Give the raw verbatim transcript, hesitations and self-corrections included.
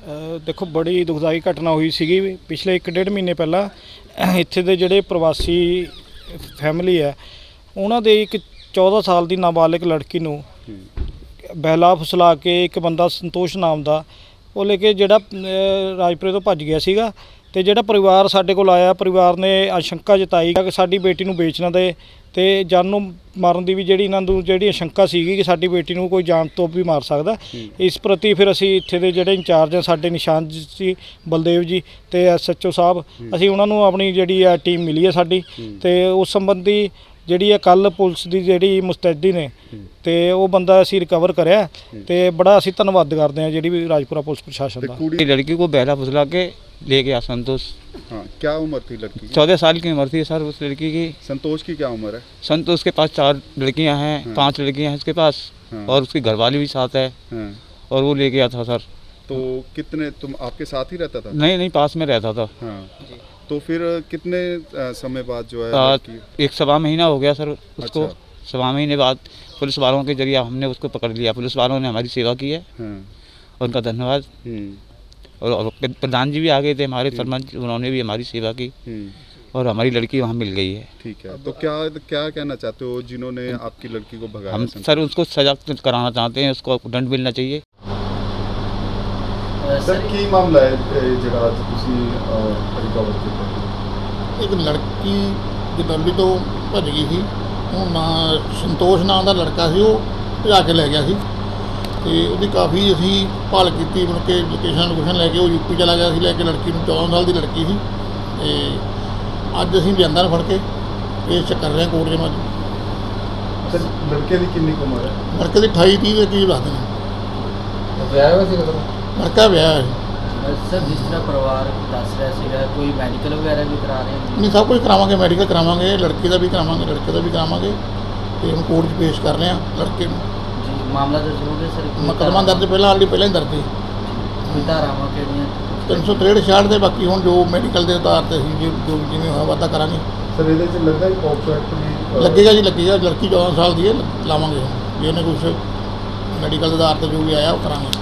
देखो बड़ी दुखदाई घटना हुई सी पिछले एक डेढ़ महीने पहला इत्थे दे जिहड़े प्रवासी फैमिली है उन्हां दे एक चौदह साल की नाबालिग लड़की नूं बहला फुसला के एक बंदा संतोष नाम का वो लेके जिहड़ा राजपुरे तो भज गया सीगा ते जिहड़ा परिवार साडे कोल आया परिवार ने आशंका जताई कि साडी बेटी नूं बेच ना दे ते जान नूं मारन दी भी जिहड़ी इन्हां नूं जिहड़ी आशंका सीगी कि साडी बेटी नूं कोई जान तो भी मार सकदा। इस प्रति फिर असीं इत्थे दे जिहड़े इंचार्ज हैं साडे निशान जी बलदेव जी ते एस एच ओ साहब असीं उन्हां नूं अपनी जिहड़ी आ टीम मिली है साडी ते उस संबंधी जिहड़ी कल पुलिस की जिहड़ी मुस्तैदी ने ते वो बंदा असीं रिकवर करया ते बड़ा असीं धन्नवाद करते हैं जिहड़ी भी राजपुरा पुलिस प्रशासन दा। लड़की को बहला फुसला के ले गया संतोष। हाँ, क्या उम्र थी लड़की की? चौदह साल की उम्र थी सर उस लड़की की। संतोष की क्या उम्र है? संतोष के पास चार लड़कियां हैं। हाँ। पांच लड़कियां हैं उसके पास। हाँ। और उसकी घरवाली भी साथ है। हाँ। और वो ले गया था सर। तो कितने तुम आपके साथ ही रहता था? नहीं नहीं पास में रहता था। हाँ। तो फिर कितने समय बाद जो है आ, एक सवा महीना हो गया सर उसको। अच्छा। सवा महीने बाद पुलिस वालों के जरिए हमने उसको पकड़ लिया। पुलिस वालों ने हमारी सेवा की है। हाँ। उनका धन्यवाद। और प्रधान जी भी आ गए थे हमारे सरपंच, उन्होंने भी हमारी सेवा की और हमारी लड़की वहाँ मिल गई है। ठीक है, तो क्या क्या कहना चाहते हो जिन्होंने आपकी लड़की को भगाया? हम सर उसको सजा कराना चाहते हैं, उसको दंड मिलना चाहिए। सर की मामला है ਜਿਹੜਾ ਅੱਜ ਤੁਸੀਂ ਰਿਕਵਰ ਕੀਤਾ? एक लड़की जदौली तो भज गई थी, वो ना संतोष नाम का लड़का सी, वो भजा के लै गया सी ਤੇ ਉਹਦੀ ਕਾਫੀ ਅਸੀਂ ਭਾਲ ਕੀਤੀ। ਮੁੜ ਕੇ ਲੋਕੇਸ਼ਨ ਲੋਕੇਸ਼ਨ ਲੈ ਕੇ ਉਹ ਯੂਪੀ ਚਲਾ ਗਿਆ ਸੀ ਲੈ ਕੇ ਲੜਕੀ ਨੂੰ। ਚੌਦਾਂ ਸਾਲ ਦੀ ਲੜਕੀ ਸੀ ਤੇ ਅੱਜ ਅਸੀਂ ਲਿਆਂਦਾ ਨੂੰ ਫੜ ਕੇ ਇਹ ਚੈੱਕ ਕਰ ਰਹੇ ਹਾਂ ਕੋਰਟ 'ਚ। ਮੈਂ ਸਰ ਲੜਕੇ ਦੀ ਕਿੰਨੀ ਕੁ ਉਮਰ ਹੈ? ਲੜਕੇ ਦੀ ਅਠਾਈ ਤੀਹ ਦੇ ਕਰੀਬ ਲੱਗਦੇ ਨੇ। ਵਿਆਹ ਹੋਇਆ ਸੀ ਕਦੋਂ? ਲੜਕਾ ਵਿਆਹ ਹੈ ਸਰ। ਜਿਸ ਤਰ੍ਹਾਂ ਪਰਿਵਾਰ ਦੱਸ ਰਿਹਾ ਸੀਗਾ ਕੋਈ ਮੈਡੀਕਲ ਵਗੈਰਾ ਵੀ ਕਰਾ ਰਹੇ ਹੋ? ਨਹੀਂ, ਸਭ ਕੁਝ ਕਰਾਵਾਂਗੇ, ਮੈਡੀਕਲ ਕਰਾਵਾਂਗੇ, ਲੜਕੀ ਦਾ ਵੀ ਕਰਾਵਾਂਗੇ, ਲੜਕੇ ਦਾ ਵੀ ਕਰਾਵਾਂਗੇ ਤੇ ਹੁਣ ਕੋਰਟ 'ਚ ਪੇਸ਼ ਕਰ ਰਹੇ ਹਾਂ ਲੜਕੇ ਨੂੰ। ਮਾਮਲਾ ਦਰਜ ਹੋ ਗਿਆ ਸਰ? ਮੁਕੱਦਮਾ ਦਰਜ ਪਹਿਲਾਂ ਆਲਰੇਡੀ ਪਹਿਲਾਂ ਹੀ ਦਰਜ ਸੀ। ਧਾਰਾਵਾਂ ਕਿਹੜੀਆਂ? ਤਿੰਨ ਸੌ ਤਰੇਹਠ ਛਿਆਹਠ ਦੇ। ਬਾਕੀ ਹੁਣ ਜੋ ਮੈਡੀਕਲ ਦੇ ਆਧਾਰ ਤੇ ਅਸੀਂ ਜੋ ਜੋ ਜਿਵੇਂ ਹੋਇਆ ਵਾਧਾ ਕਰਾਂਗੇ। ਸਰ ਇਹਦੇ 'ਚ ਲੱਗਦਾ ਹੀ ਪੌਕਸੋ ਐਕਟ ਵੀ ਲੱਗੇਗਾ ਜੀ, ਲੱਗੇਗਾ। ਲੜਕੀ ਚੌਦਾਂ ਸਾਲ ਦੀ ਹੈ, ਲਾਵਾਂਗੇ ਜੇ ਉਹਨੇ ਕੁਛ ਮੈਡੀਕਲ ਦੇ ਆਧਾਰ ਤੇ ਜੋ ਵੀ ਆਇਆ ਉਹ ਕਰਾਂਗੇ।